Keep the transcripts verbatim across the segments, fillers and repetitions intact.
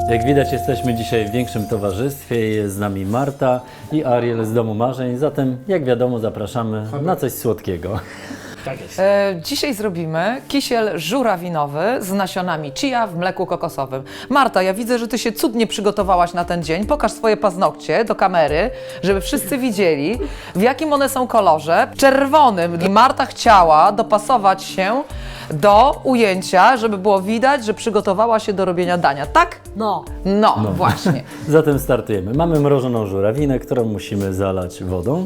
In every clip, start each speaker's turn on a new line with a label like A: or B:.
A: Jak widać, jesteśmy dzisiaj w większym towarzystwie. Jest z nami Marta i Ariel z Domu Marzeń. Zatem, jak wiadomo, zapraszamy na coś słodkiego.
B: Tak jest.
C: E, dzisiaj zrobimy kisiel żurawinowy z nasionami chia w mleku kokosowym. Marta, ja widzę, że ty się cudnie przygotowałaś na ten dzień. Pokaż swoje paznokcie do kamery, żeby wszyscy widzieli, w jakim one są kolorze. Czerwonym. I Marta chciała dopasować się do ujęcia, żeby było widać, że przygotowała się do robienia dania. Tak?
D: No.
C: No, właśnie.
A: Zatem startujemy. Mamy mrożoną żurawinę, którą musimy zalać wodą.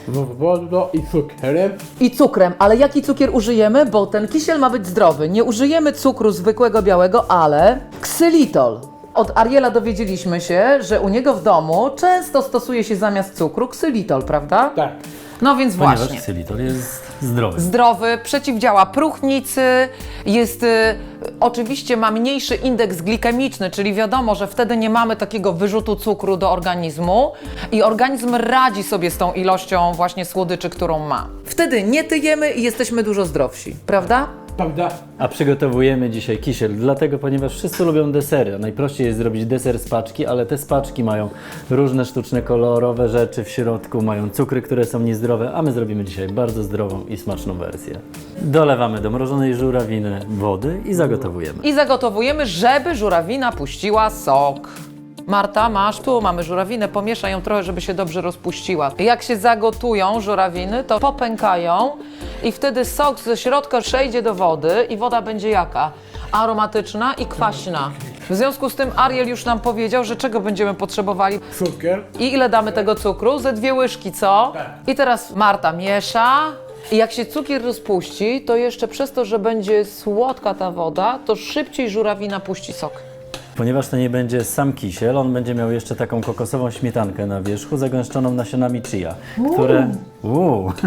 B: Wodą i cukrem.
C: I cukrem, ale jaki cukier użyjemy? Bo ten kisiel ma być zdrowy. Nie użyjemy cukru zwykłego białego, ale ksylitol. Od Ariela dowiedzieliśmy się, że u niego w domu często stosuje się zamiast cukru ksylitol, prawda?
B: Tak.
C: No więc
A: Ponieważ
C: właśnie.
A: ksylitol jest zdrowy.
C: Zdrowy, przeciwdziała próchnicy, jest y, oczywiście ma mniejszy indeks glikemiczny, czyli wiadomo, że wtedy nie mamy takiego wyrzutu cukru do organizmu i organizm radzi sobie z tą ilością właśnie słodyczy, którą ma. Wtedy nie tyjemy i jesteśmy dużo zdrowsi, prawda?
B: Prawda?
A: A przygotowujemy dzisiaj kisiel, dlatego, ponieważ wszyscy lubią desery. A najprościej jest zrobić deser z paczki, ale te z paczki mają różne sztuczne, kolorowe rzeczy w środku, mają cukry, które są niezdrowe, a my zrobimy dzisiaj bardzo zdrową i smaczną wersję. Dolewamy do mrożonej żurawiny wody i zagotowujemy.
C: I zagotowujemy, żeby żurawina puściła sok. Marta, masz, tu mamy żurawinę, pomieszaj ją trochę, żeby się dobrze rozpuściła. Jak się zagotują żurawiny, to popękają i wtedy sok ze środka przejdzie do wody i woda będzie jaka? Aromatyczna i kwaśna. W związku z tym Ariel już nam powiedział, że czego będziemy potrzebowali.
B: Cukier.
C: I ile damy tego cukru? Ze dwie łyżki, co?
B: Tak.
C: I teraz Marta miesza. I jak się cukier rozpuści, to jeszcze przez to, że będzie słodka ta woda, to szybciej żurawina puści sok.
A: Ponieważ to nie będzie sam kisiel, on będzie miał jeszcze taką kokosową śmietankę na wierzchu, zagęszczoną nasionami chia, które... Uuu. Uuu.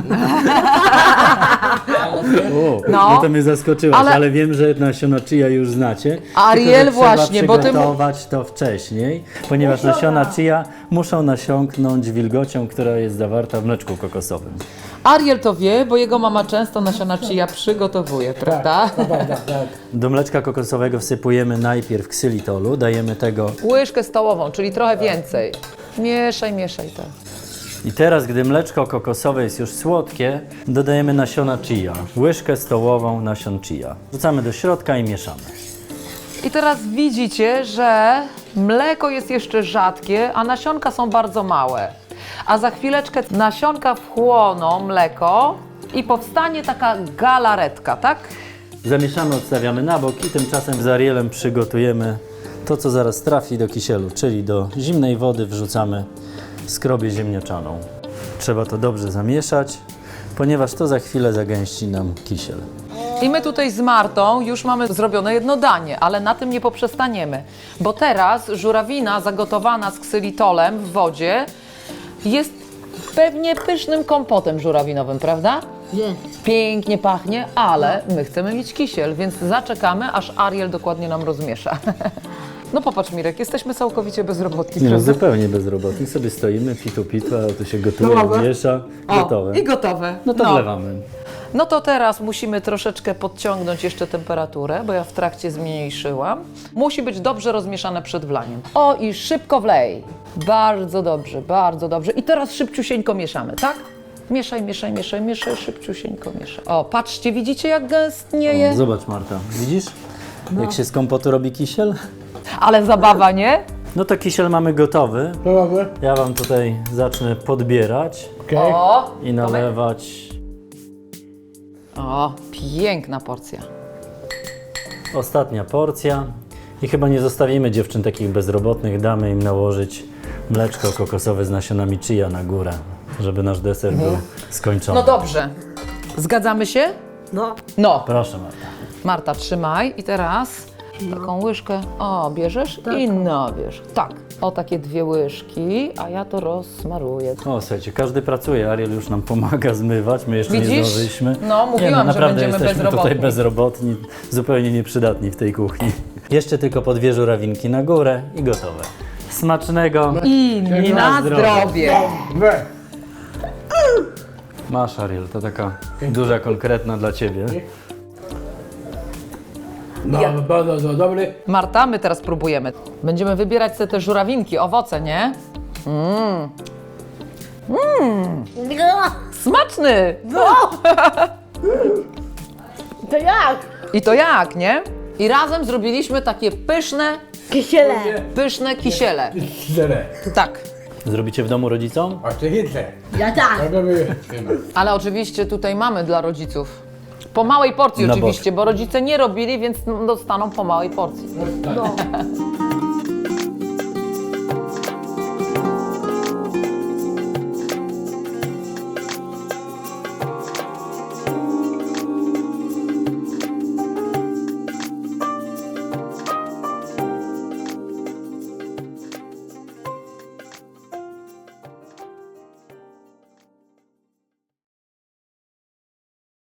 C: No.
A: No to mnie zaskoczyłaś,
C: Ale-
A: ale... wiem, że nasiona chia już znacie.
C: Ariel,
A: tylko, że
C: właśnie,
A: trzeba
C: bo ty mu-
A: przygotować to wcześniej, ponieważ nasiona chia muszą nasiąknąć wilgocią, która jest zawarta w mleczku kokosowym.
C: Ariel to wie, bo jego mama często nasiona chia przygotowuje, prawda?
B: Prawda, tak.
A: Do mleczka kokosowego wsypujemy najpierw ksylitolu, dajemy tego
C: Łyżkę stołową, czyli trochę więcej. Mieszaj, mieszaj to.
A: i teraz, gdy mleczko kokosowe jest już słodkie, dodajemy nasiona chia, łyżkę stołową nasion chia. Wrzucamy do środka i mieszamy.
C: I teraz widzicie, że mleko jest jeszcze rzadkie, a nasionka są bardzo małe. A za chwileczkę nasionka wchłoną mleko i powstanie taka galaretka, tak?
A: Zamieszamy, odstawiamy na bok i tymczasem z Arielem przygotujemy to, co zaraz trafi do kisielu, czyli do zimnej wody wrzucamy skrobię ziemniaczaną. Trzeba to dobrze zamieszać, ponieważ to za chwilę zagęści nam kisiel.
C: I my tutaj z Martą już mamy zrobione jedno danie, ale na tym nie poprzestaniemy, bo teraz żurawina zagotowana z ksylitolem w wodzie jest pewnie pysznym kompotem żurawinowym, prawda?
D: Jest.
C: Pięknie pachnie, ale my chcemy mieć kisiel, więc zaczekamy, aż Ariel dokładnie nam rozmiesza. No popatrz, Mirek, jesteśmy całkowicie bezrobotni,
A: Nie no,
C: prawda?
A: zupełnie bezrobotni. Sobie stoimy, pitu pitu, a tu się gotuje,
B: No dobra.
A: miesza, gotowe.
C: I gotowe.
A: No to wlewamy.
C: No to teraz musimy troszeczkę podciągnąć jeszcze temperaturę, bo ja w trakcie zmniejszyłam. Musi być dobrze rozmieszane przed wlaniem. O, i szybko wlej. Bardzo dobrze, bardzo dobrze. I teraz szybciusieńko mieszamy, tak? Mieszaj, mieszaj, mieszaj, mieszaj, szybciusieńko mieszaj. O, patrzcie, widzicie jak gęstnieje?
A: O, zobacz, Marta, widzisz? Jak się z kompotu robi kisiel?
C: Ale zabawa, nie?
A: No to kisiel mamy gotowy.
B: Prawda?
A: Ja wam tutaj zacznę podbierać
B: Okej.
C: O,
A: i nalewać.
C: o, piękna porcja.
A: Ostatnia porcja. I chyba nie zostawimy dziewczyn takich bezrobotnych, damy im nałożyć mleczko kokosowe z nasionami chia na górę, żeby nasz deser był skończony.
C: No dobrze. Zgadzamy się?
D: No.
C: No.
A: Proszę, Marta.
C: Marta, trzymaj i teraz taką łyżkę, o, bierzesz i no, bierz. Tak, o takie dwie łyżki, a ja to rozsmaruję.
A: O, słuchajcie, każdy pracuje, Ariel już nam pomaga zmywać, my jeszcze nie
C: Widzisz?
A: zdążyliśmy.
C: No, mówiłam,
A: nie, no,
C: że
A: naprawdę
C: będziemy
A: jesteśmy
C: bezrobotni.
A: tutaj bezrobotni, zupełnie nieprzydatni w tej kuchni. Jeszcze tylko po dwie żurawinki na górę i gotowe. Smacznego
C: I na zdrowie.
B: Dobrze.
A: Masz, Ariel, to taka duża, konkretna dla Ciebie.
B: No,
C: Ja-
B: bardzo to dobry.
C: Marta, my teraz próbujemy. Będziemy wybierać sobie te żurawinki, owoce, nie? Smaczny!
D: To jak?
C: I to jak, nie? I razem zrobiliśmy takie pyszne,
D: Kisiele.
C: pyszne kisiele.
B: Zere.
C: Tak.
A: Zrobicie w domu rodzicom?
B: A ty chytrze.
D: Ja tak.
B: To by
C: Ale oczywiście tutaj mamy dla rodziców. Po małej porcji
A: Na
C: oczywiście, bo rodzice nie robili, więc dostaną po małej porcji.
B: No.